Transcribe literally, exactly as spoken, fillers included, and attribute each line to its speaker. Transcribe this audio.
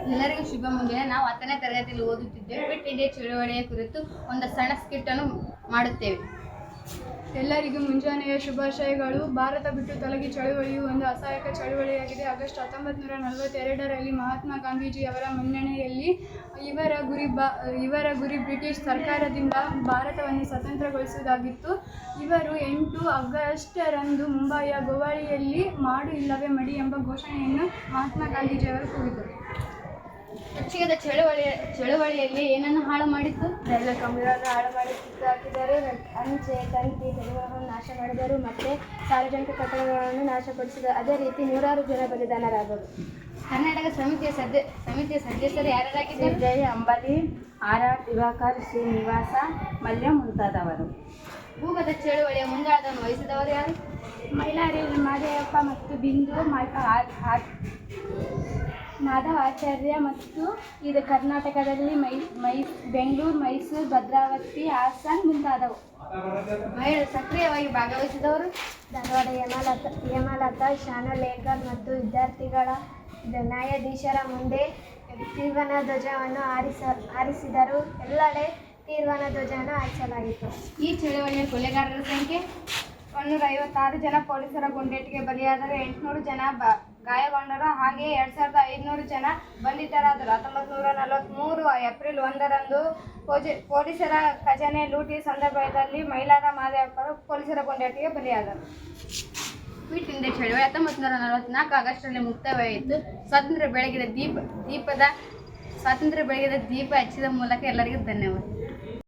Speaker 1: ಎಲ್ಲರಿಗೂ ಶುಭ ಮುಂಜಾನೆ. ನಾವು ಹತ್ತನೇ ತರಗತಿಯಲ್ಲಿ ಓದುತ್ತಿದ್ದೇವೆ. ಕ್ವಿಟ್ ಇಂಡಿಯಾ ಚಳುವಳಿಯ ಕುರಿತು ಒಂದು ಸಣ್ಣ ಸ್ಕಿಟ್ ಅನ್ನು ಮಾಡುತ್ತೇವೆ.
Speaker 2: ಎಲ್ಲರಿಗೂ ಮುಂಜಾನೆಯ ಶುಭಾಶಯಗಳು. ಭಾರತ ಬಿಟ್ಟು ತೊಲಗಿ ಚಳುವಳಿಯು ಒಂದು ಅಸಹಾಯಕ ಚಳುವಳಿಯಾಗಿದೆ. ಆಗಸ್ಟ್ ಹತ್ತೊಂಬತ್ತು ನೂರ ನಲವತ್ತೆರಡರಲ್ಲಿ ಮಹಾತ್ಮ ಗಾಂಧೀಜಿಯವರ ಮನ್ನಣೆಯಲ್ಲಿ ಇವರ ಗುರಿ ಬಾ ಇವರ ಗುರಿ ಬ್ರಿಟಿಷ್ ಸರ್ಕಾರದಿಂದ ಭಾರತವನ್ನು ಸ್ವತಂತ್ರಗೊಳಿಸುವುದಾಗಿತ್ತು. ಇವರು ಎಂಟು ಆಗಸ್ಟರಂದು ಮುಂಬಯಿಯ ಗೋವಾಳಿಯಲ್ಲಿ ಮಾಡು ಇಲ್ಲವೇ ಮಡಿ ಎಂಬ ಘೋಷಣೆಯನ್ನು ಮಹಾತ್ಮ ಗಾಂಧೀಜಿಯವರು ಕೂಗಿದರು.
Speaker 1: ರಕ್ಷಿತ ಚಳುವಳಿ ಚಳುವಳಿಯಲ್ಲಿ ಏನನ್ನು ಹಾಳು ಮಾಡಿತ್ತು?
Speaker 3: ರೈಲು ಕಂಬಗಳನ್ನು ಹಾಳು ಮಾಡಿ ಕಿತ್ತು ಹಾಕಿದರು, ಅಂಚೆ ತಂತಿ ತೆರೆಗಳನ್ನು ನಾಶ ಮಾಡಿದರು ಮತ್ತು ಸಾರ್ವಜನಿಕ ಕಟ್ಟಡಗಳನ್ನು ನಾಶಪಡಿಸಿದರು. ಅದೇ ರೀತಿ ನೂರಾರು ಜನ ಬಲಿದಾನರಾದರು.
Speaker 1: ಕರ್ನಾಟಕ ಸಮಿತಿಯ ಸದ್ಯ ಸಮಿತಿಯ ಸದಸ್ಯರು ಯಾರ್ಯಾರಾಗಿದ್ದರು?
Speaker 3: ಜೈ ಅಂಬಲಿ, ಆರ್ ಆರ್ ದಿವಾಕರ್, ಶ್ರೀನಿವಾಸ, ಮಲ್ಯ ಮುಂತಾದವರು.
Speaker 1: ಭೂಗತ ಚಳುವಳಿಯ ಮುಂದಾಳತ್ವವನ್ನು ವಹಿಸಿದವರು ಯಾರು?
Speaker 3: ಮೈಲಾರಿ ಮಾದೇವಪ್ಪ ಮತ್ತು ಬಿಂದು ಮಾಧವ ಆಚಾರ್ಯ ಮತ್ತು ಇದು ಕರ್ನಾಟಕದಲ್ಲಿ ಮೈ ಮೈ ಬೆಂಗಳೂರು, ಮೈಸೂರು, ಭದ್ರಾವತಿ, ಹಾಸನ ಮುಂತಾದವು.
Speaker 1: ಮಹಿಳೆಯರು ಸಕ್ರಿಯವಾಗಿ ಭಾಗವಹಿಸಿದವರು?
Speaker 3: ಧಾರವಾಡ ಹೇಮಲತಾ ಹೇಮಲತಾ ಶಾನುಲೇಕರ್ ಮತ್ತು ವಿದ್ಯಾರ್ಥಿಗಳ ನ್ಯಾಯಾಧೀಶರ ಮುಂದೆ ತ್ರಿವರ್ಣ ಧ್ವಜವನ್ನು ಹಾರಿಸ ಹಾರಿಸಿದರು. ಎಲ್ಲೆಡೆ ತ್ರಿವರ್ಣ ಧ್ವಜವನ್ನು ಹಾರಿಸಲಾಗಿತ್ತು.
Speaker 1: ಈ ಚಳುವಳಿಯ ಕೊಲೆಗಾರರ ಸಂಖ್ಯೆ
Speaker 3: ಒಂದೂರ ಐವತ್ತಾರು ಜನ ಪೊಲೀಸರ ಗುಂಡೇಟಿಗೆ ಬಲಿಯಾದರು. ಎಂಟುನೂರು ಜನ ಬ ಗಾಯಗೊಂಡರು. ಹಾಗೆಯೇ ಎರಡು ಸಾವಿರದ ಐದುನೂರು ಜನ ಬಂಧಿತರಾದರು. ಹತ್ತೊಂಬತ್ತು ನೂರ ನಲವತ್ತ್ಮೂರು ಏಪ್ರಿಲ್ ಒಂದರಂದು ಪೋಜಿ ಪೊಲೀಸರ ಖಜಾನೆ ಲೂಟಿ ಸಂದರ್ಭದಲ್ಲಿ ಮೈಲಾರ ಮಾದೇವಪ್ಪರು ಪೊಲೀಸರ ಗುಂಡೇಟಿಗೆ ಬಲಿಯಾದರು.
Speaker 1: ಕ್ವಿಟ್ ಇಂಡಿಯಾ ಚಳುವಳಿ ಹತ್ತೊಂಬತ್ತು ನೂರ ನಲವತ್ತ್ನಾಲ್ಕು ಆಗಸ್ಟ್ನಲ್ಲಿ ಮುಕ್ತಾಯವಾಯಿತು. ಸ್ವಾತಂತ್ರ್ಯ ಬೆಳಗಿದ ದೀಪ ದೀಪದ ಸ್ವಾತಂತ್ರ್ಯ ಬೆಳಗಿದ ದೀಪ ಹಚ್ಚಿದ ಮೂಲಕ ಎಲ್ಲರಿಗೂ ಧನ್ಯವಾದ.